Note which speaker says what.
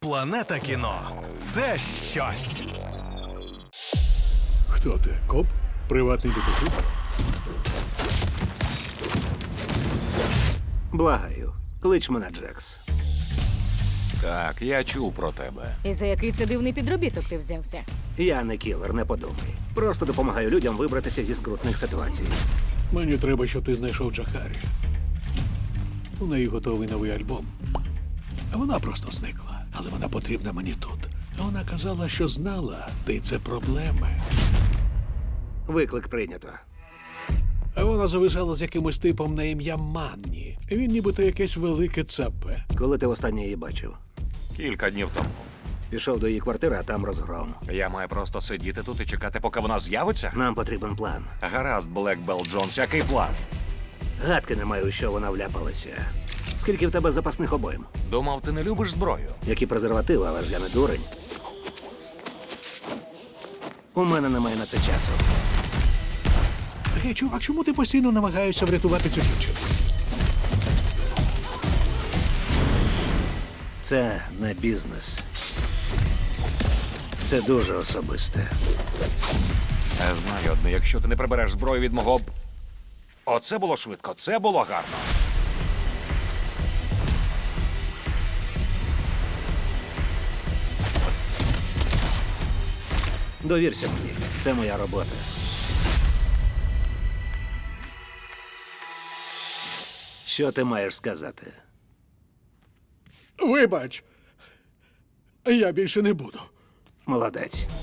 Speaker 1: Планета кіно – це щось.
Speaker 2: Хто ти? Коп? Приватний детектив?
Speaker 3: Благаю, клич мене Джекс.
Speaker 4: Так, я чув про тебе.
Speaker 5: І за який це дивний підробіток ти взявся?
Speaker 3: Я не кілер, не подумай. Просто допомагаю людям вибратися зі скрутних ситуацій.
Speaker 2: Мені треба, щоб ти знайшов Джахарі. У неї готовий новий альбом. А вона просто зникла. Але вона потрібна мені тут. А вона казала, що знала, де це проблеми.
Speaker 3: Виклик прийнято.
Speaker 2: А вона зависала з якимось типом на ім'я Манні. Він нібито якесь велике цапе.
Speaker 3: Коли ти востаннє її бачив?
Speaker 4: Кілька днів тому.
Speaker 3: Пішов до її квартири, а там розгром.
Speaker 4: Я маю просто сидіти тут і чекати, поки вона з'явиться?
Speaker 3: Нам потрібен план.
Speaker 4: Гаразд, Блекбелл Джонс, який план?
Speaker 3: Гадки не маю, у що вона вляпалася. Скільки в тебе запасних обоїм?
Speaker 4: Думав, ти не любиш зброю.
Speaker 3: Які презервативи, але ж я не дурень. У мене немає на це часу.
Speaker 2: Гей, чувак, чому ти постійно намагаєшся врятувати цю дівчину?
Speaker 3: Це не бізнес. Це дуже особисте.
Speaker 4: Я знаю одне, якщо ти не прибереш зброю від мого... Оце було швидко, це було гарно.
Speaker 3: Довірся мені. Це моя робота. Що ти маєш сказати?
Speaker 2: Вибач, я більше не буду.
Speaker 3: Молодець.